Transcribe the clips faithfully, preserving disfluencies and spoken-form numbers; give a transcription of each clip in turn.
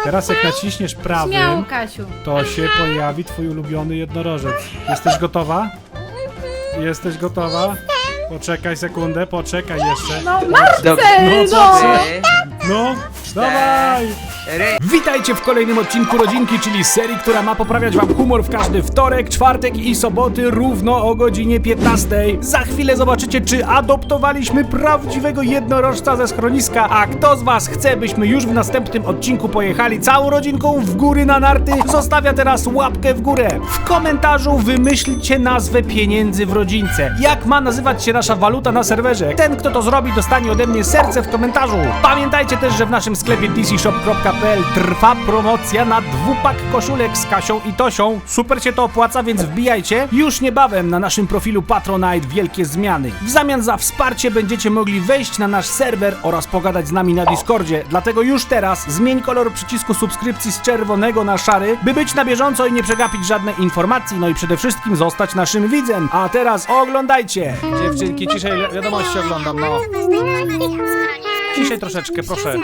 Teraz jak naciśniesz prawym, Śmiało, Kasiu. to się pojawi twój ulubiony jednorożec. Jesteś gotowa? Jesteś gotowa? Poczekaj sekundę, poczekaj jeszcze. No, Marcel, No co no! ty? No, dawaj! Witajcie w kolejnym odcinku Rodzinki, czyli serii, która ma poprawiać wam humor w każdy wtorek, czwartek i soboty równo o godzinie piętnastej. Za chwilę zobaczycie, czy adoptowaliśmy prawdziwego jednorożca ze schroniska, a kto z was chce, byśmy już w następnym odcinku pojechali całą rodzinką w góry na narty, zostawia teraz łapkę w górę. W komentarzu wymyślcie nazwę pieniędzy w rodzince. Jak ma nazywać się nasza waluta na serwerze? Ten, kto to zrobi, dostanie ode mnie serce w komentarzu. Pamiętajcie też, że w naszym sklepie d c shop kropka p l trwa promocja na dwupak koszulek z Kasią i Tosią. Super się to opłaca, więc wbijajcie. Już niebawem na naszym profilu Patronite wielkie zmiany. W zamian za wsparcie będziecie mogli wejść na nasz serwer oraz pogadać z nami na Discordzie. Dlatego już teraz zmień kolor przycisku subskrypcji z czerwonego na szary, by być na bieżąco i nie przegapić żadnej informacji, no i przede wszystkim zostać naszym widzem. A teraz oglądajcie! Dziewczynki, ciszej wiadomości oglądam, no. Ciszej troszeczkę, proszę.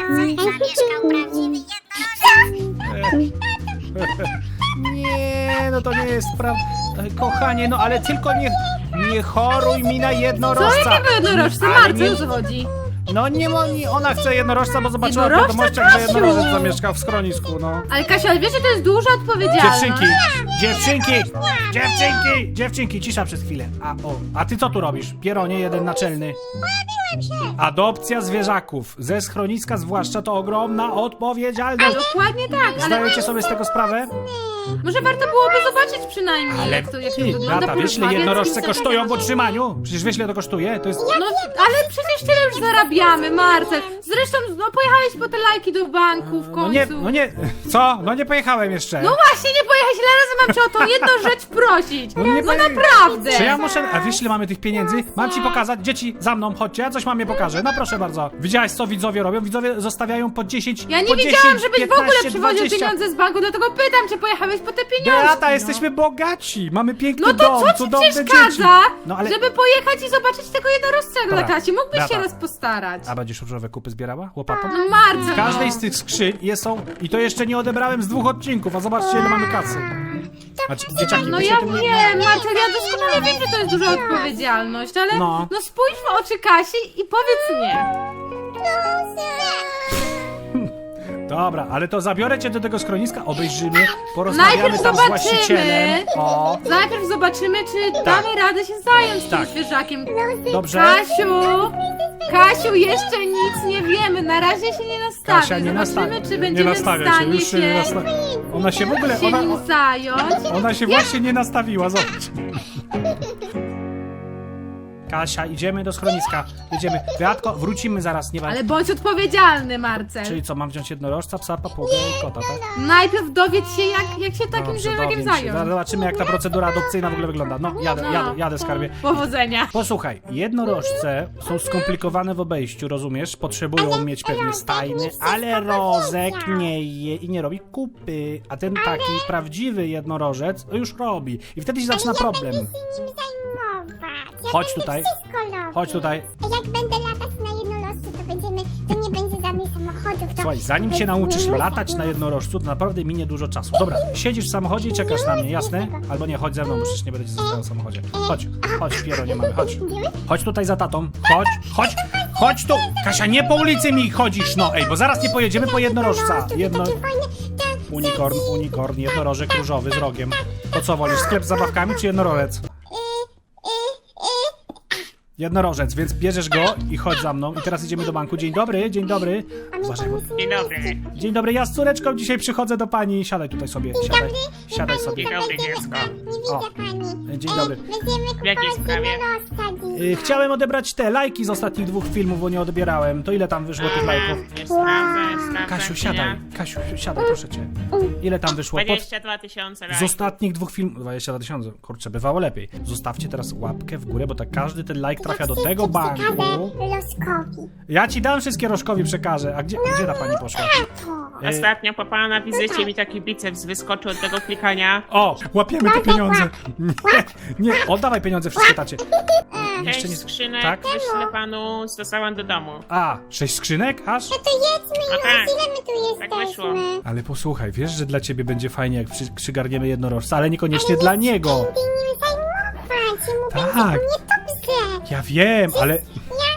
Nie, no to nie jest prawda. Kochanie, no ale tylko nie, nie choruj mi na Co jednorożca. jakiego jednorożca? Ale Marcel, nie- o co chodzi? No nie, nie, ona chce jednorożca, bo zobaczyła w Jednorożca, wiadomościach, że Kasiu? jednorożec zamieszkał w schronisku, no. Ale Kasia, ale wiesz, że to jest duża odpowiedzialność. Dziewczynki, dziewczynki, dziewczynki, dziewczynki, cisza przez chwilę. A, o, a ty co tu robisz? Pieronie, jeden naczelny. Adopcja zwierzaków ze schroniska zwłaszcza to ogromna odpowiedzialność. Dokładnie tak, ale Zdajecie sobie z tego sprawę? może warto byłoby zobaczyć przynajmniej, Ale jak to, jak to ty, wygląda. Beata, wiesz ile porozmawiać jednorożce z kimś kosztują w takim. utrzymaniu? Przecież wiesz ile to kosztuje? To jest... No, ale przecież tyle już zarabiamy, Marcel. Zresztą, no pojechałeś po te lajki do banku w końcu. No nie, no nie, co? No nie pojechałem jeszcze. No właśnie, nie pojechałeś, ile razy mam cię o tą jedną rzecz prosić. No, nie poje- naprawdę. Czy ja muszę... A wiesz ile mamy tych pieniędzy? Mam ci pokazać. Dzieci, za mną, chodźcie, ja coś mam je pokażę. No proszę bardzo. Widziałaś co widzowie robią? Widzowie zostawiają po dziesięć, Ja nie po wiedziałam, dziesięć, żebyś w piętnaście, ogóle przywoził dwadzieścia. pieniądze z banku, dlatego pytam, czy pojechałeś po te pieniądze. Beata, no. jesteśmy bogaci. Mamy piękny No to dom, co ci cudowne dzieci. przeszkadza, No ale... żeby pojechać i zobaczyć tego jednorożca dla Dobra, Kasi? Mógłbyś Beata. się raz postarać. A będziesz różowe kupy zbierała? Łopatą? No Marcel, W każdej no. z tych skrzyń jest są... I to jeszcze nie odebrałem z dwóch odcinków, a zobaczcie ile mamy kasy. Znaczy, dzieciaki, No wy się ja tym nie- wiem, Marcel, ja doskonale wiem, że to jest duża odpowiedzialność, ale No. no, spójrz w oczy Kasi i powiedz nie. Dobra, ale to zabiorę cię do tego schroniska, obejrzymy, porozmawiamy Najpierw tam z zobaczymy. właścicielem. O, Najpierw zobaczymy, czy damy radę się zająć Tak. tym zwierzakiem. dobrze. Kasiu, Kasiu, jeszcze nic nie wiemy, na razie się nie nastawi. Kasia, nie Zobaczymy, nastawia. czy Nie będziemy w nastawia się, stanie już się nie się, nastawia. Ona się w ogóle, się ona, nim zająć. ona się właśnie nie nastawiła, zobacz. Kasia, idziemy do schroniska. Jedziemy. Beatko, wrócimy zaraz, nie ma... Ale bądź odpowiedzialny, Marcel. Czyli co, mam wziąć jednorożca, psa, papugę i kota, tak? Najpierw dowiedz się, jak, jak się takim Dobrze, zwierzakiem dowiem się. zająć. Zobaczymy, jak ta procedura adopcyjna w ogóle wygląda. No, jadę, No. jadę, jadę, skarbie. Powodzenia. Posłuchaj, jednorożce są skomplikowane w obejściu, rozumiesz? Potrzebują mieć pewne stajny, ale rozek nie je i nie robi kupy. A ten taki prawdziwy jednorożec już robi. I wtedy się zaczyna problem. Chodź tutaj. Chodź tutaj. Jak będę latać na jednorożcu, to będziemy, to nie będzie żadnych samochodów. To Słuchaj, zanim się nauczysz latać na jednorożcu, to naprawdę minie dużo czasu. Dobra, siedzisz w samochodzie i czekasz na mnie, jasne? Albo nie, chodź ze mną, bo przecież nie będę cię zostawiał w samochodzie. Chodź, chodź, Piero, nie mamy, chodź. Chodź tutaj za tatą, chodź, chodź, chodź tu! Kasia, nie po ulicy mi chodzisz, no ej, bo zaraz nie pojedziemy po jednorożca. Jedno... takie fajne, te- Unikorn, unikorn, jednorożek różowy z rogiem. To co wolisz, sklep z zabawkami czy jednorożec? Jednorożec, więc bierzesz go i chodź za mną. I teraz idziemy do banku. Dzień dobry, dzień dobry. Uważaj, bo... Dzień dobry. Dzień dobry, ja z córeczką dzisiaj przychodzę do pani. Siadaj tutaj sobie, siadaj, siadaj sobie. Dzień dobry, dziecko. Nie O. widzę pani. Dzień dobry. Będziemy W jakiej kupować sprawie? jednorożca dzisiaj. Y, Chciałem odebrać te lajki z ostatnich dwóch filmów, bo nie odbierałem. To ile tam wyszło tych lajków? Już sprawdzę, sprawdzę. Kasiu, siadaj, Kasiu, siadaj, proszę cię. Ile tam wyszło? Pod... dwadzieścia dwa tysiące Z lajków. ostatnich dwóch filmów... dwadzieścia dwa tysiące, kurczę, bywało lepiej. Zostawcie teraz łapkę w górę, bo tak każdy ten like trafia do tego banku. Loskowi. Ja ci dam wszystkie Rożkowi przekażę. A gdzie, gdzie ta pani poszła? To. Y, Ostatnio po pana wizycie mi taki biceps wyskoczył od tego klikania. O, łapiemy te pieniądze. Nie, nie, oddawaj pieniądze wszystkie tacie. Jeszcze Sześć nie... skrzynek Tak? wyślę panu, dostałam do domu. A, sześć skrzynek aż? No to jedźmy A już, tak, ile my tu tak wyszło. jesteśmy? Ale posłuchaj, wiesz, że dla ciebie będzie fajnie, jak przy, przygarniemy jednorożca, ale niekoniecznie dla niego. Ty nim zajmować, mu Tak. będzie niedobrze. Ja wiem, ale... Ja,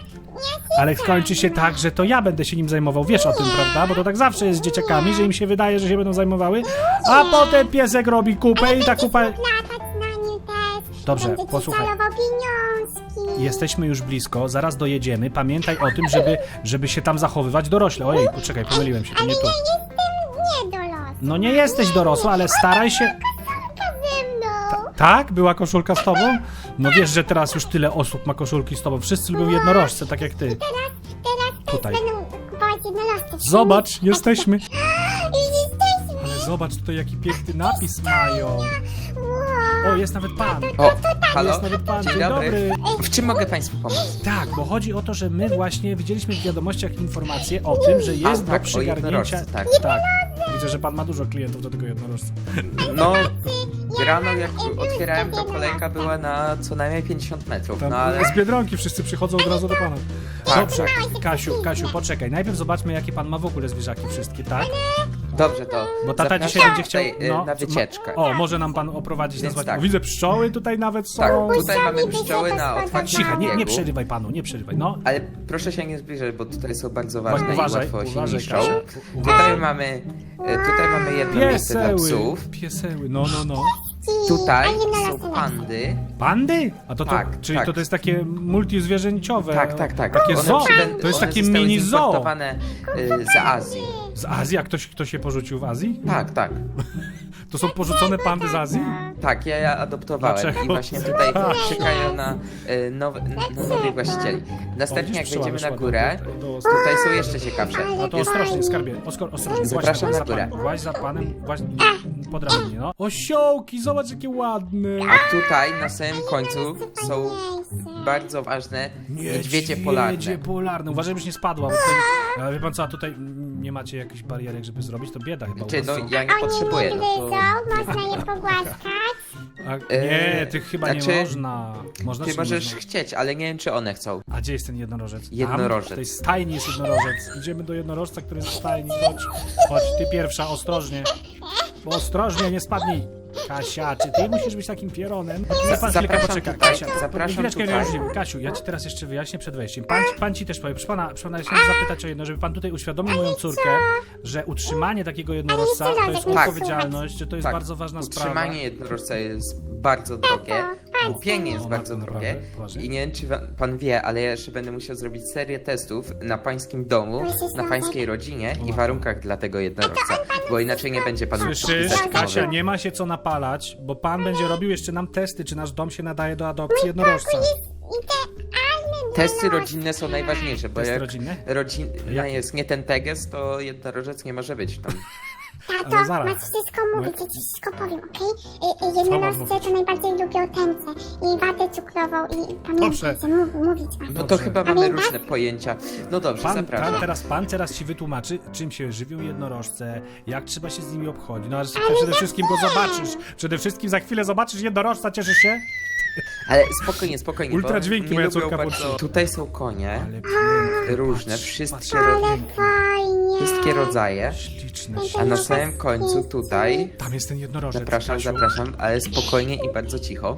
ja Ale skończy się tak, że to ja będę się nim zajmował. Wiesz o tym, prawda? Bo to tak zawsze jest z dzieciakami, że im się wydaje, że się będą zajmowały, a potem piesek robi kupę i ta kupa... latać na nim też. Dobrze, Będzie ci posłuchaj. zalował pieniążki. Jesteśmy już blisko, zaraz dojedziemy. Pamiętaj o tym, żeby, żeby się tam zachowywać dorośle. Ojej, poczekaj, pomyliłem się, to Ale nie tu. ja jestem nie dorosła. No nie jesteś dorosła, ale staraj się... Koszulka ze mną. Tak? Była koszulka z tobą? No wiesz, że teraz już tyle osób ma koszulki z tobą. Wszyscy lubią jednorożce, tak jak ty. Teraz, teraz Tutaj. też będą kupować jednorożce. Zobacz, jesteśmy. Już jesteśmy. Ale zobacz tutaj, jaki piękny napis mają. Wow. O, jest nawet pan. O, halo? Jest nawet pan. Dzień Dzień dobry. dobry. W czym mogę Państwu pomóc? Tak, bo chodzi o to, że my właśnie widzieliśmy w wiadomościach informację o tym, że jest A, do tak, o przygarnięcia... jednorożcu, tak. tak. Widzę, że pan ma dużo klientów do tego jednorożca. No, rano jak otwierałem, to kolejka była na co najmniej pięćdziesiąt metrów, Tam no ale... z Biedronki wszyscy przychodzą od razu do pana. Tak, Dobrze, tak. Kasiu, Kasiu, poczekaj. Najpierw zobaczmy, jakie pan ma w ogóle zwierzaki wszystkie, tak? Dobrze, to Bo tata zapraszam dzisiaj będzie chciał... tutaj, y, na wycieczkę. O, może nam pan oprowadzić Więc nazwać. tak. O, widzę pszczoły tutaj nawet są. Tak, tutaj mamy pszczoły na otwarciu Cicha, nie, nie biegu. przerywaj panu, nie przerywaj. No, Ale proszę się nie zbliżać, bo tutaj są bardzo ważne uważaj, i łatwo się uważaj, niszczą. Kasia. Tutaj mamy, y, tutaj mamy jedno miejsce dla pieseły, psów. pieseły, no, no, no. Tutaj A jednorożce są lecą. pandy. Pandy? A to, to Tak, czyli tak. to, to jest takie multizwierzęciowe. Tak, tak, tak. Takie One zoo. przyben- To jest one takie zostały mini zoo. ziimportowane, y, z Azji. Z Azji? A ktoś, ktoś się porzucił w Azji? Tak, tak. To są porzucone pandy z Azji? Tak, ja je adoptowałem Dlaczego? i właśnie tutaj Tak. czekają na, y, nowe, na nowych właścicieli. Następnie jak Widzisz, pszczoła wejdziemy na wyszła górę, tutaj do- tutaj są jeszcze ciekawsze. A to ostrożnie, skarbie, oskor, ostrożnie. Zapraszam Właź na górę. panem, Właź za panem, właź po drabinie, no. Osiołki, zobacz jakie ładne. A tutaj na samym końcu są bardzo ważne niedźwiedzie polarne. polarne. Uważaj, żebyś nie spadła, bo tutaj, ale wie pan co, a tutaj mm, nie macie jakichś barierek, żeby zrobić, to bieda chyba u Czy was no są. ja nie potrzebuję, Oni no nie to... gryzą, można je pogłaskać. A, E, nie, tych chyba nie znaczy, można. Można Ty czy możesz można? chcieć, ale nie wiem czy one chcą. A gdzie jest ten jednorożec? Jednorożec. Tam? W tej stajni jest jednorożec. Idziemy do jednorożca, który jest w stajni. Chodź, chodź, ty pierwsza, ostrożnie. Bo ostrożnie, nie spadnij. Kasia, czy ty musisz być takim pieronem? Za pan chwilkę Zapraszam poczeka. tutaj, Kasia, zapraszam chwileczkę, tutaj. już nie. Kasiu, ja ci teraz jeszcze wyjaśnię przed wejściem. Pan, pan ci też powie, proszę pana, proszę pana, ja chciałem zapytać o jedno, żeby pan tutaj uświadomił moją córkę, że utrzymanie takiego jednorożca to jest Tak. odpowiedzialność, że to jest Tak, bardzo ważna sprawa. utrzymanie jednorożca jest bardzo drogie, kupienie jest O, bardzo naprawdę? drogie Poważnie? i nie wiem czy wa- pan wie, ale ja jeszcze będę musiał zrobić serię testów na pańskim domu, na pańskiej rodzinie i warunkach dla tego jednorożca, bo inaczej nie będzie pan mógł Słyszysz, podpisać Kasia, umowy. nie ma się co napalać, bo pan będzie robił jeszcze nam testy, czy nasz dom się nadaje do adopcji jednorożca. Idealny Testy rodzinne są najważniejsze, bo Testy jak rodzinne? rodzina Jak? jest nie ten teges, to jednorożec nie może być tam. Tato, Ale zaraz. masz wszystko mówić, ja ci wszystko powiem, okej? Okay? mam Jednorożce mówić? to najbardziej lubią tęce i watę cukrową i Dobrze. pamiętajcie, mów, mówić wam. No to Dobrze. chyba mamy Pamiętasz? różne pojęcia. No dobrze, Pan, pan, zapraszam. teraz, pan teraz ci wytłumaczy, czym się żywią jednorożce, jak trzeba się z nimi obchodzić. No ale przede wszystkim go zobaczysz. Przede wszystkim za chwilę zobaczysz jednorożca, cieszysz się? Ale spokojnie, spokojnie. Ultra bo dźwięki nie moja lubią córka bardzo... włączyła. Tutaj są konie, Ale pięknie. różne, patrz, wszystkie, patrz, ro... Fajnie. wszystkie rodzaje. Śliczne, A śliczne. na samym końcu tutaj, Tam jest ten jednorożec. zapraszam, Kasiu. zapraszam, ale spokojnie i bardzo cicho.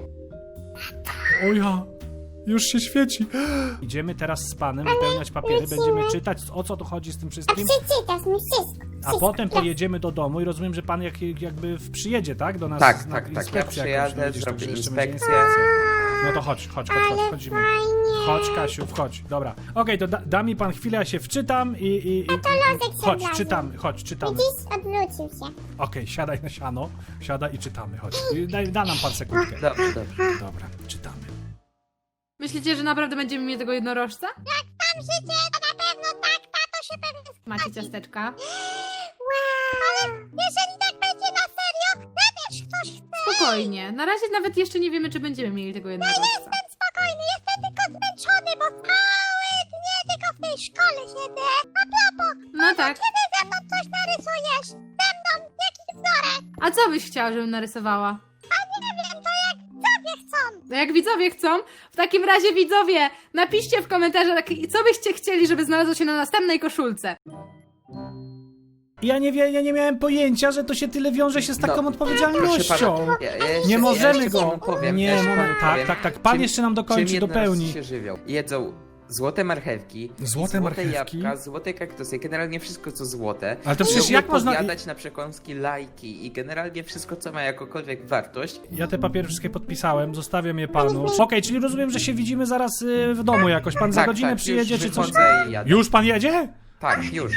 O ja, już się świeci. Idziemy teraz z panem wypełniać papiery, będziemy czytać, o co tu chodzi z tym A wszystkim. przeczytasz mi wszystko. A wszystko. potem pojedziemy do domu i rozumiem, że pan jak, jakby w- przyjedzie, tak? Do nas Tak, na tak, tak. Ja inspekcję przyjadę, jakąś, no widzisz, zrobię tam jeszcze będzie inspekcję. No to chodź, chodź, chodź, chodź, wchodzimy. Chodź, Kasiu, wchodź, dobra. Okej, to da, da mi pan chwilę, ja się wczytam i... i, i lozek się chodź, wlazł. czytamy, chodź, czytamy. Widzisz, odwrócił się. Okej, siadaj na siano, siadaj i czytamy, chodź. I Daj, da nam pan sekundkę. Dobrze, dobrze. Dobra, czytamy. Myślicie, że naprawdę będziemy mieli tego jednorożca? Tam życie, to na pewno tak, tato się pewnie... Macie ciasteczka? Wow. Ale jeżeli tak będzie na serio, wybierz ktoś chce. Spokojnie. Na razie nawet jeszcze nie wiemy, czy będziemy mieli tego jednorożca. Jestem spokojny, jestem tylko zmęczony, bo całe dnie tylko w tej szkole siedzę. A propos, No tak. kiedy ze mną coś narysujesz? Ze mną, jaki wzorek? A co byś chciała, żebym narysowała? A nie wiem, to jak sobie chcą. No jak widzowie chcą, w takim razie widzowie, napiszcie w komentarzach, co byście chcieli, żeby znalazło się na następnej koszulce. Ja nie, wie, ja nie miałem pojęcia, że to się tyle wiąże się z taką No, odpowiedzialnością. Proszę pana, ja, ja jeszcze, Nie możemy ja jeszcze go. panu powiem, Nie, ja jeszcze no, panu tak, powiem, tak, tak. Pan czym- jeszcze nam dokończy, czym jednorożcy dopełni. się żywią. Jedzą złote marchewki, Złote złote marchewki? jabłka, złote kaktusy, generalnie wszystko co złote. Ale to przecież Lubią jak można- podjadać na przekąski lajki i generalnie wszystko co ma jakąkolwiek wartość. Ja te papiery wszystkie podpisałem, zostawiam je panu. Okej, czyli rozumiem, że się widzimy zaraz y, w domu jakoś. Pan za Tak, godzinę tak, przyjedzie już czy coś? wychodzę i jadę. Już pan jedzie? Tak, już.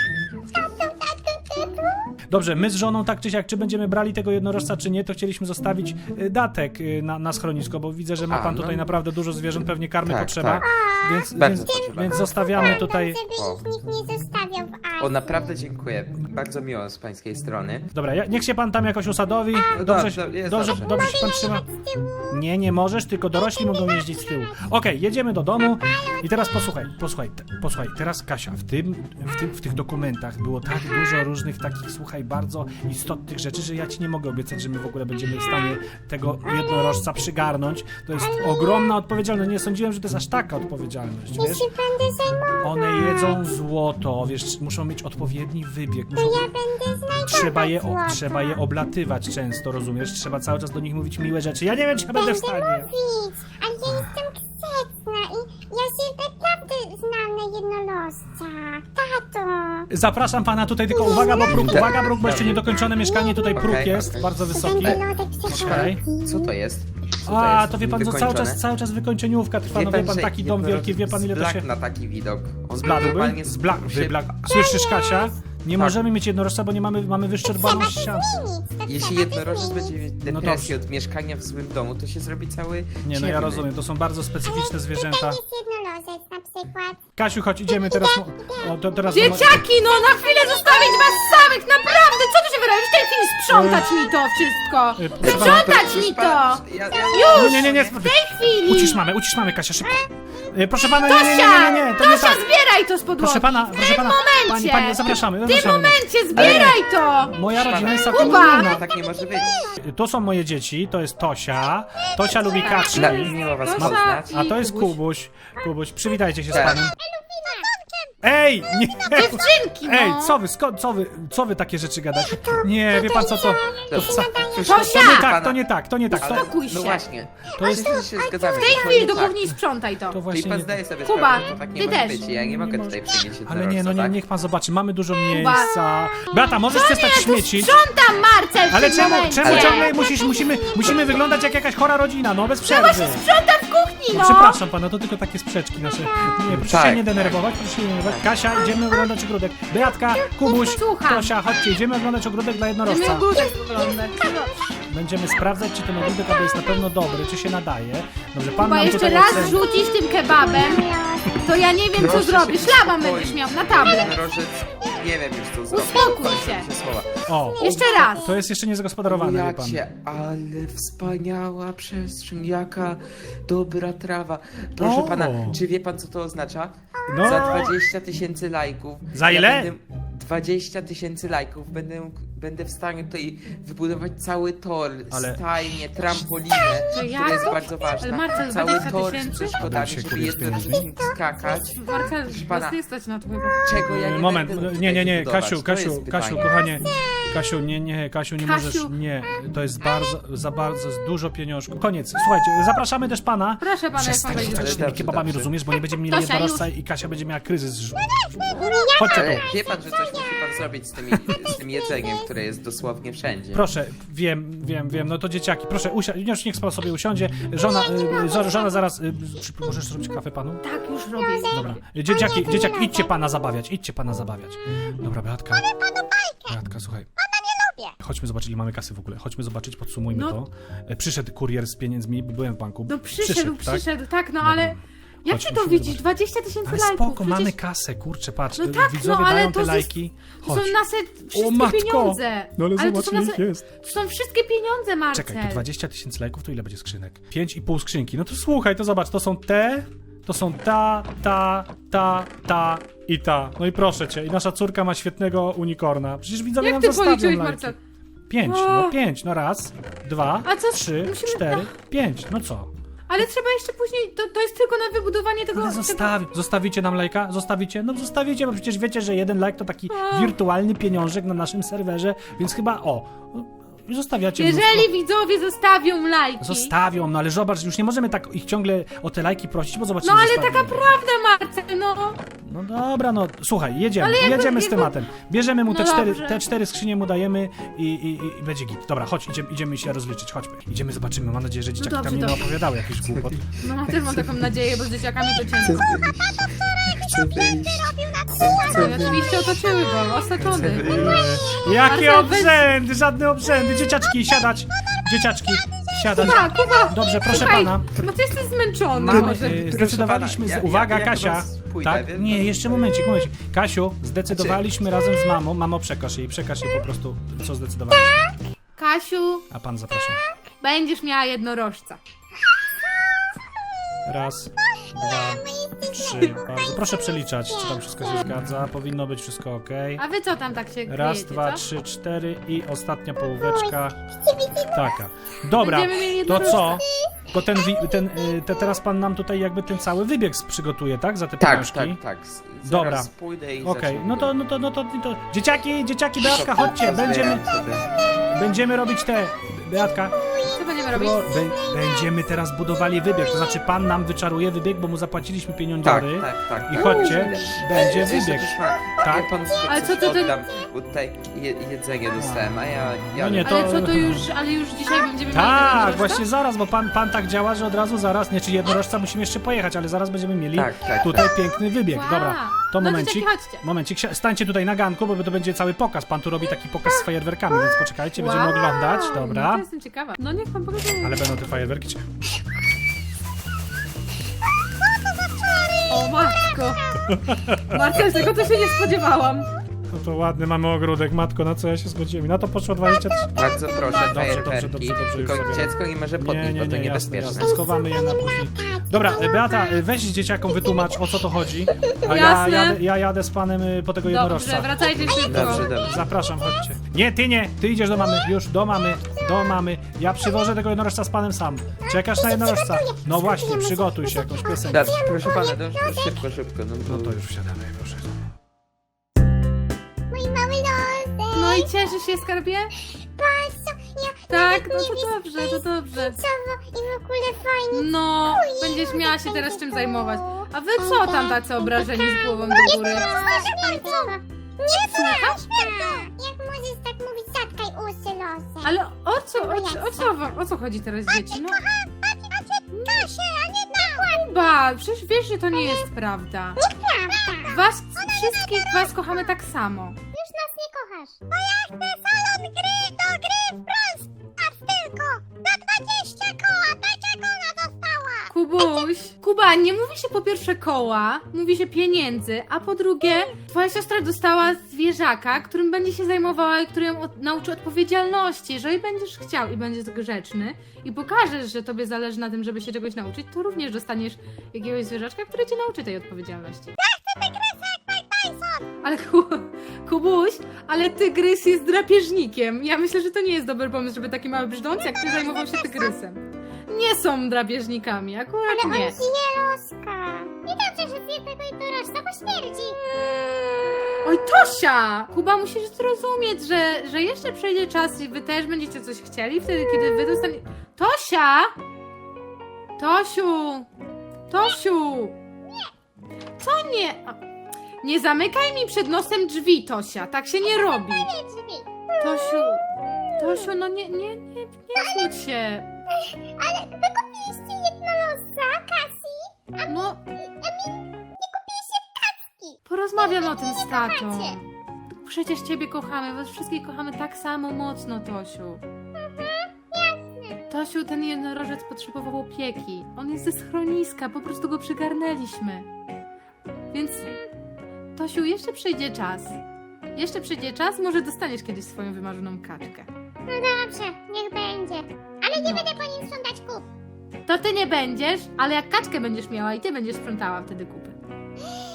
Dobrze, my z żoną tak czy siak, czy będziemy brali tego jednorożca, czy nie, to chcieliśmy zostawić y, datek y, na, na schronisko, bo widzę, że ma A, pan no. tutaj naprawdę dużo zwierząt, pewnie karmy Tak, potrzeba, tak. więc, Bardzo więc, potrzeba. więc zostawiamy tutaj... Żeby ich nikt nie zostawiał w Azji. O, naprawdę dziękuję. Bardzo miło z pańskiej strony. Dobra, ja, niech się pan tam jakoś usadowi, No dobrze, dobrze, jest dobrze, dobrze. dobrze się pan trzyma. Nie, nie możesz, tylko dorośli mogą jeździć z tyłu. Okej, jedziemy do domu i teraz posłuchaj, posłuchaj, te- posłuchaj, teraz Kasia, w tym, w tym, w tych dokumentach było tak dużo różnych takich, słuchaj, bardzo istotnych rzeczy, że ja ci nie mogę obiecać, że my w ogóle będziemy w stanie tego jednorożca przygarnąć. To jest ogromna odpowiedzialność, nie sądziłem, że to jest aż taka odpowiedzialność, wiesz? Jeśli będę zajmował, One jedzą złoto, wiesz, muszą mieć odpowiedni wybieg, muszą... ja będę znajdował Trzeba je, o, złoto. trzeba je oblatywać często, rozumiesz? Trzeba cały czas do nich mówić miłe rzeczy. Ja nie wiem, czy ja będę w stanie. mówić, ale ja jestem grzeczna i ja się naprawdę znam na jednorożca. Tato! Zapraszam pana tutaj, tylko uwaga, bo próg, uwaga, próg, bo jeszcze niedokończone mieszkanie, tutaj próg Okej, jest, okej. bardzo wysoki. Będę lodek Okej. przechodził. Co to jest? Co A, jest? to wie pan, co cały Wykończone? czas, cały czas wykończeniówka trwa, no wie pan, że taki dom jednorożec wielki, wie pan ile to się... zblakł na taki widok. On Zbladłby? normalnie Zblak, się- wyblak. Słyszysz, Kasia? Nie Tak. możemy mieć jednorożca, bo nie mamy, mamy wyszczerbaną ścianę. Nic, to Jeśli trzeba jednorożec zmienić. będzie mieć No depresję dobrze. od mieszkania w złym domu, to się zrobi cały Nie, no ja ciemny. rozumiem, to są bardzo specyficzne zwierzęta. Tutaj jest jednorożec na przykład. Kasiu, chodź, idziemy teraz... O, to teraz... Dzieciaki, no na chwilę zostawić was samych, naprawdę! Co tu się wydaje? W tej chwili sprzątać mi to wszystko! Y, proszę Sprzątać mi to! Ja, ja, Już! Nie, nie, nie, W tej chwili! Ucisz mamy, ucisz mamy, Kasia, szybko. Y, Proszę pana, nie, nie, nie, nie, Tosia! nie, nie, to nie Tosia, tak. zbieraj to z podłogi! Proszę pana, w proszę tym pana, momencie! pani, pani, zapraszamy, W tym zapraszamy. momencie zbieraj to! Moja rodzina jest Pana- całkiem Kuba! inna. tak nie może być. To są moje dzieci, to jest Tosia. Tosia lubi kaczki. Na, miło was Tosia poznać. i- A to jest Kubuś. Kubuś. Kubuś, przywitajcie się z Tak. panem. Ej, nie! Dziewczynki, no! Ej, co wy, skąd, co wy, co wy takie rzeczy gadacie? Nie, wie pan co to? To, wca, Tosia! to nie tak, to nie tak, to nie tak. To, Uspokój się. No właśnie. to jest... Wszyscy się zgadzamy. W tej to chwili nie do tak. kuchni sprzątaj to! To Czyli właśnie pan nie... zdaje sobie Kuba, sprawę, że to tak nie ty może też. być i ja nie mogę tutaj przynieść Ale nie, no jednorożca, nie, tak? niech pan zobaczy, mamy dużo miejsca. Beata, możesz przestać Ja tu śmiecić? sprzątam, Marcel, w Ale tym czemu, momencie! czemu ciągle musisz, musimy, musimy wyglądać jak jakaś chora rodzina, no bez przerwy. Sprzątam w kuchni, No no! przepraszam pana, to tylko takie sprzeczki nasze. Nie, proszę Tak. się nie denerwować, proszę się nie denerwować. Kasia, idziemy oglądać ogródek. Beatka, Kubuś, Słucham. Tosia, chodźcie, idziemy oglądać ogródek dla My jednorożca. ogródek oglądać. Będziemy sprawdzać, czy ten ogródek aby jest na pewno dobry, czy się nadaje. Dobrze, pan Chyba nam jeszcze tutaj raz oceni. rzucisz tym kebabem, to ja nie wiem co Proszę zrobisz. się Szlaban uspokoić. będziesz miał na tablet. Jednorożec, nie wiem już co zrobić. Uspokój Kończą się. mi słowa. O, Jeszcze raz. to jest jeszcze niezagospodarowane, wie pan. Jacie, ale wspaniała przestrzeń, jaka dobra trawa. Proszę O. pana, czy wie pan co to oznacza? No. Za dwadzieścia tysięcy lajków. Za ile? Ja będę, dwadzieścia tysięcy lajków. Będę, będę w stanie tutaj wybudować cały tor, Ale- stajnię, trampolinę, To ja? która jest bardzo ważna. Ale Marcel, cały dwadzieścia tor z tysięcy? przeszkodami, Tam się żeby kurde z jednorożec pieniędzmi. mógł skakać. Marcel, pana. was nie stać na to chyba. Czego ja nie Moment, będę mógł nie, nie, tutaj nie, wybudować? Kasiu, To Kasiu, jest Kasiu, pytanie. kochanie. Kasiu, nie, nie, Kasiu, nie Kasiu. możesz, nie, to jest bardzo, za bardzo, z dużo pieniążków. Koniec, słuchajcie, zapraszamy też pana. Proszę pana, jak pan Przestań wejdzie. rzucać tymi Dobrze, kebabami, dobrze. rozumiesz, bo nie będziemy mieli Tosia, jednorożca i Kasia będzie miała kryzys. Chodźcie Ale tu. wie pan, że coś musi pan zrobić z, tymi, z tym jedzeniem, które jest dosłownie wszędzie. Proszę, wiem, wiem, wiem, no to dzieciaki, proszę, usia- już niech pan sobie usiądzie. Żona, y, żo- żona zaraz, y, czy możesz zrobić kawę panu? Tak, już robię. Dobra, dzieciaki, dzieciaki, idźcie pana zabawiać, idźcie pana zabawiać. Dobra, Beatka. Beatka, słuchaj. Chodźmy zobaczyć, ile mamy kasy w ogóle. Chodźmy zobaczyć, podsumujmy No. to. E, Przyszedł kurier z pieniędzmi, bo byłem w banku. No przyszedł, przyszedł, tak, no ale... Jak Chodź, ty to musimy widzisz? zobaczyć. dwadzieścia tysięcy Ale lajków. spoko, przecież mamy kasę, kurczę, patrz. No e, tak, widzowie no, ale dają to te jest- lajki. To Chodź. są nasze wszystkie matko! pieniądze. No ale to zobacz, są ile nasze... ich jest. To są wszystkie pieniądze, Marcel. Czekaj, to dwadzieścia tysięcy lajków, to ile będzie skrzynek? pięć i pół skrzynki. No to słuchaj, to zobacz, to są te, to są ta, ta, ta, ta i ta. No i proszę cię, i nasza córka ma świetnego unikorna. Przecież widzowie Jak nam ty zostawią policzyłeś, lajki. Marcel? Pięć, O. no pięć, no raz, dwa, A co- trzy, musimy- cztery, pięć, no co? Ale trzeba jeszcze później, to, to jest tylko na wybudowanie tego... Ale tego... zostawi, zostawicie nam lajka? Zostawicie? No zostawicie, bo przecież wiecie, że jeden lajk to taki wirtualny pieniążek na naszym serwerze, więc chyba o, zostawiacie mnóstwo. Jeżeli widzowie zostawią lajki... Zostawią, no ale zobacz, już nie możemy tak ich ciągle o te lajki prosić, bo zobaczycie, No ale zostawili. taka prawda, Marcel, no. No dobra, no słuchaj, jedziemy, Ale jakby- jedziemy z jakby- tematem. Bierzemy mu te, No cztery, dobrze. te cztery skrzynie mu dajemy i, i, i będzie git. Dobra, chodź, idziemy, idziemy się rozliczyć, chodźmy. Idziemy, zobaczymy, mam nadzieję, że dzieciaki dobrze, tam nie dobrze. opowiadały jakichś głupot. No ja też mam taką nadzieję, bo z dzieciakami to ciężko. Chcę wyjść. No i oczywiście otoczyły go, osaczony. Eee, jakie Marcel, weź- obrzędy, żadne obrzędy. Dzieciaczki, siadać. Dzieciaczki, siadać. Kuba, Kuba! Dobrze, proszę Słuchaj, pana. no ty jesteś zmęczony. Mamy- może. Eee, Zdecydowaliśmy, pana, z... ja- uwaga ja- ja Kasia, chyba pójdę, tak? wie Nie, pan? jeszcze momencik, momencik. Kasiu, zdecydowaliśmy razem z mamą, mamo przekaż jej, przekaż jej po prostu, co zdecydowaliśmy. Kasiu, A pan zapraszam. będziesz miała jednorożca. Raz, dwa, trzy. Bardzo proszę przeliczać, czy tam wszystko się zgadza. Powinno być wszystko ok. A wy co tam tak się Raz, kryjecie, dwa, co? trzy, cztery i ostatnia połóweczka. Taka. Dobra, Będziemy mieli to jednorożca. co? To ten, wi- ten y, te teraz pan nam tutaj jakby ten cały wybieg przygotuje, tak? Za te Tak, pieniążki? tak, tak. Z- Zaraz Dobra. pójdę i Okej, zacznę no to, no to, no to, no to... Dzieciaki, dzieciaki, Beatka, chodźcie, będziemy, będziemy robić te... Beatka, Co będziemy robić? bo be, będziemy teraz budowali wybieg, to znaczy pan nam wyczaruje wybieg, bo mu zapłaciliśmy Tak, pieniądzory. tak, tak. I chodźcie, będzie Jeszcze wybieg. też ma- Tak. Ja panu Ale coś co to ty- oddam, bo tutaj je, jedzenie dostałem, a ja... ja No nie, to- Ale co to już, ale już dzisiaj będziemy mieli Tak, jednorożca? właśnie zaraz, bo pan, pan tak działa, że od razu zaraz, nie, czy jednorożca musimy jeszcze pojechać, ale zaraz będziemy mieli Tak, tak, tutaj piękny wybieg. Wow. Dobra, to No momencik, dzieciaki, chodźcie. momencik, si- stańcie tutaj na ganku, bo to będzie cały pokaz, pan tu robi taki pokaz z fajerwerkami, więc poczekajcie, będziemy Wow, oglądać, No dobra, to jestem ciekawa. No niech pan pokaże. ale będą te fajerwerki, czy... O matko. Marcel, tego to się nie spodziewałam. No to ładny mamy ogródek, matko, na co ja się zgodziłem, na to poszło dwadzieścia trzy. Bardzo proszę, Dobrze, fajerwerki. dobrze, dobrze, dobrze, już Tylko sobie- dziecko nie może Nie, podnieść, nie, bo to nie, jasne, niebezpieczne. jasne, schowamy je na później. Dobra, e, Beata, e, weź dzieciakom wytłumacz, o co to chodzi, a ja Jasne. jadę, ja jadę z panem y, po tego jednorożca. Dobrze, wracajcie szybko. Dobrze, dobrze. Zapraszam, chodźcie. Nie, ty nie, ty idziesz do mamy, już, do mamy, do mamy. Ja przywożę tego jednorożca z panem sam. Czekasz na jednorożca? No właśnie, przygotuj się, jakąś piosenkę. Dobrze, proszę pana, dobrze, szybko, szybko. No, No bo- to już wsiadamy, proszę. Mój mały nosek. No i cieszysz się, skarbie? Patrz, co ja Tak, nawet no nie to wiem, dobrze, to dobrze. co i w ogóle fajnie. No, będziesz miała się teraz czym zajmować. A wy co tam tacy obrażeni z głową do góry? Nie słuchasz? Jak możesz tak mówić, zatkaj uszy losem. Ale o co, o, co- o co, wam- o co chodzi teraz dzieci? No, Kasie, a nie na Kuba, przecież wiesz, że to nie jest prawda. prawda. Was, wszystkich was kochamy tak samo. Już nas nie kochasz. Bo ja chcę salon gry do gry w Brawl Stars tylko. Na dwadzieścia koła, tak jak ona dostała. Kubuś, Kuba, nie mówi się po pierwsze koła, mówi się pieniędzy, a po drugie, twoja siostra dostała zwierzaka, którym będzie się zajmowała i który ją od, nauczy odpowiedzialności. Jeżeli będziesz chciał i będziesz grzeczny i pokażesz, że tobie zależy na tym, żeby się czegoś nauczyć, to również dostaniesz jakiegoś zwierzaczka, który cię nauczy tej odpowiedzialności. Ale Ku, Kubuś, ale tygrys jest drapieżnikiem. Ja myślę, że to nie jest dobry pomysł, żeby taki mały brzdąc jak ty zajmował się tygrysem. Nie są drapieżnikami, akurat On nie. zje loska. Nie dobrze, że zje tego jednorożca, bo śmierdzi. Oj, Tosia! Kuba, musisz zrozumieć, że, że jeszcze przejdzie czas i wy też będziecie coś chcieli, wtedy kiedy wy dostaniecie... Tosia! Tosiu! Tosiu! Co nie? A, nie zamykaj mi przed nosem drzwi, Tosia, tak się nie robi. Nie drzwi. Tosiu, Tosiu, no nie, nie, nie, nie smuć się. Ale wy kupiliście jednorożca, Kasi. No, A mi nie kupiliście tacki. porozmawiam o tym z tatą. Kochacie. Przecież ciebie kochamy, was wszystkich kochamy tak samo mocno, Tosiu. Tosiu, ten jednorożec potrzebował opieki. On jest ze schroniska, po prostu go przygarnęliśmy. Więc, Tosiu, jeszcze przyjdzie czas. Jeszcze przyjdzie czas, może dostaniesz kiedyś swoją wymarzoną kaczkę. No dobrze, niech będzie. Ale nie No. będę po nim sprzątać kup. To ty nie będziesz, ale jak kaczkę będziesz miała i ty będziesz sprzątała wtedy kupy.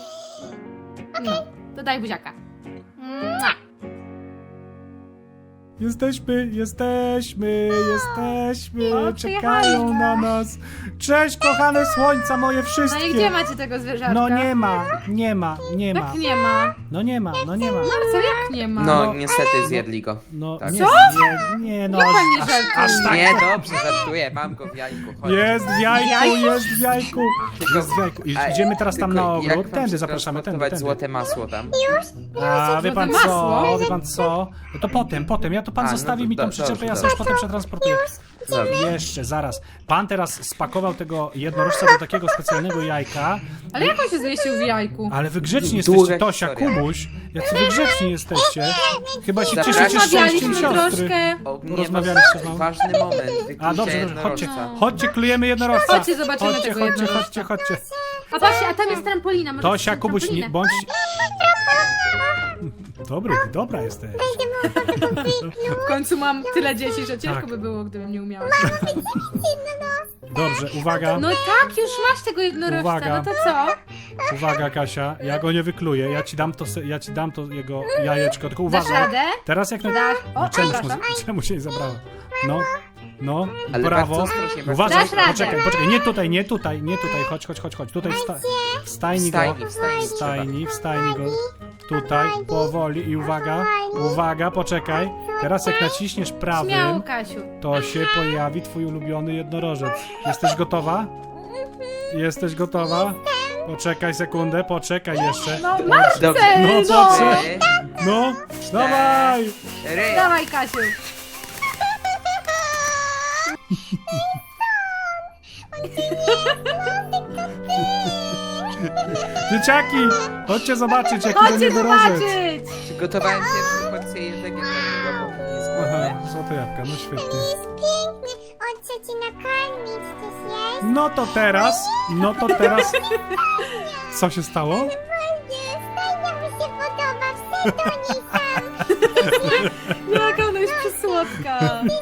No, to daj buziaka. Mua. Jesteśmy, jesteśmy, jesteśmy, O, czekają na nas. Cześć, kochane słońca moje No i wszystkie. gdzie macie tego zwierzaczka? No nie ma, nie ma, nie ma. Jak nie ma? No nie ma, no nie ma. Marcel, jak nie ma? No, niestety zjedli go. No Tak. nie, Co? nie, nie no. Jak pan nie aż- żartuje? aż tak. Nie, dobrze, żartuję, mam go w jajku. Chodź. Jest w jajku, Jajku? jest w jajku. Jest w jajku. I A, idziemy teraz tam tylko na jak ogród. mam Tędy zapraszamy, tędy, przetransportować tędy. złote masło tam? A wie pan Złote co, masło? wie pan co? No to potem, potem. Ja to pan A, no zostawi to mi tą do- przyczepę, dobrze, ja dobrze. sobie już potem przetransportuję. Dobrze. Jeszcze, zaraz. Pan teraz spakował tego jednorożca do takiego specjalnego jajka. Ale jak on się zmieścił w jajku? Ale wy grzeczni Długa jesteście, Tosia, historia. Kubuś. Jacy wy grzeczni jesteście. Chyba się Zapraszam. cieszycie szczęściem Rozmawialiśmy siostry. troszkę. O, nie, Porozmawialiście z no, mamą? ważny moment. Wyklucie A dobrze, dobrze, chodźcie, jednorożca. chodźcie, klujemy jednorożca. Chodźcie, zobaczymy chodźcie, tego chodźcie, jednorożca. chodźcie, chodźcie. A patrzcie, a tam jest trampolina. Może Tosia, chcecie Kubuś, nie, trampolinę? bądź... Dobry, dobra jesteś. W końcu mam tyle dzieci, że ciężko Tak. by było, gdybym nie umiała. Dobrze, uwaga, No tak, już masz tego jednorożca, Uwaga. no to co? uwaga Kasia, ja go nie wykluję, ja ci dam to, se- ja ci dam to jego jajeczko, tylko Dasz uważaj. radę? Teraz jak na... Dasz? O, No, czemuś, mu, przepraszam. czemu się nie zabrało? No, no, Ale brawo. bardzo ostrożnie, bardzo Uważaj, Dasz radę. poczekaj, poczekaj, nie tutaj, nie tutaj, nie tutaj, chodź, chodź, chodź, chodź. Tutaj w, sta w stajni go, Wstajni, wstajni w stajni, w stajni go. Tutaj, powoli i uwaga, uwaga, poczekaj. Teraz jak naciśniesz Śmiało, prawym, Kasiu. to się pojawi twój ulubiony jednorożec. Jesteś gotowa? Jesteś gotowa? Poczekaj sekundę, poczekaj jeszcze. No Dobrze. Marcel, No, no! po co? Trzy, No, dawaj! cztery. Dawaj, Kasiu. Dzieciaki, chodźcie zobaczyć jaki to Chodźcie jednorożec. zobaczyć! Przygotowałem pierwszą porcję jedzenia dla niego, bo jest Aha, głodny. złote jabłka, no świetnie. Jest piękny. On chce ci nakarmić. Chcesz jeść? No to teraz, no to teraz... Co się stało? Nie, stajnia mu się podoba. Wsy do niej tam. Jaka ona jest przysłodka.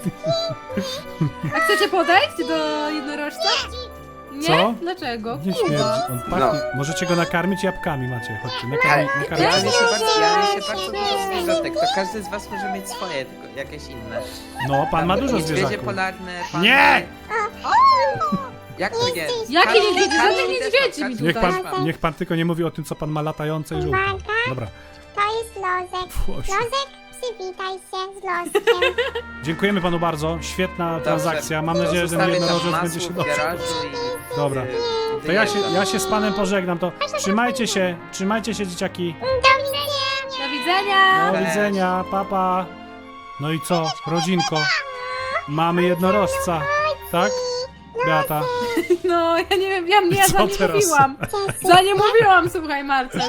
A chcecie podejść do jednorożca? Nie? Co? Dlaczego? Nie Kuba. śmierdzi, on pachnie. No. Możecie go nakarmić jabłkami, macie, chodźcie, Ale nakarmi, ja nakarmicie. mi się bardzo, ja mi się bardzo dużo zwierzątek, to każdy z was może mieć swoje, tylko jakieś inne. No, pan ma dużo Niedźwiedzie zwierzaków. polarne, pan... Nie! Jak to nie? Jakie Każdy- niedźwiedzie? każdy Żadnych też niedźwiedzi ma, mi każdy Niech tutaj. pan, też ma. niech pan tylko nie mówi o tym, co pan ma latające i żółte. Uwaga. Dobra. To jest lozek. Fuosiu. Lozek, przywitaj się z loskiem. Dziękujemy panu bardzo, świetna Dobrze. transakcja. Mam nadzieję, że ten Zostawię tam jednorożec masło będzie się w dobrze. garażu i... Dobra. y, To ja się, wyjeżdżam. ja się z panem pożegnam, to trzymajcie się, trzymajcie się dzieciaki. Do widzenia. Do widzenia! Do Cześć. widzenia, papa. No i co, rodzinko? Mamy jednorożca, tak? Beata. No, ja nie wiem, ja mnie ja Co za nie teraz? mówiłam. Za nie mówiłam, słuchaj, Marcel.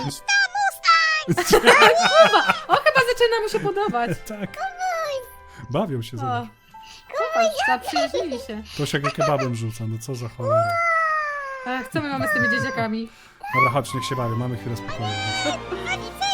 Kuba, o, chyba zaczyna mu się podobać. Tak. Bawią się, O, zobacz. popatrz, zaprzyjaźnili się. Tosia go kebabem rzuca, no co za cholera. Ach, co my mamy z tymi dzieciakami? Dobra, chodź, niech się bawią, mamy chwilę spokoju. Do widzenia.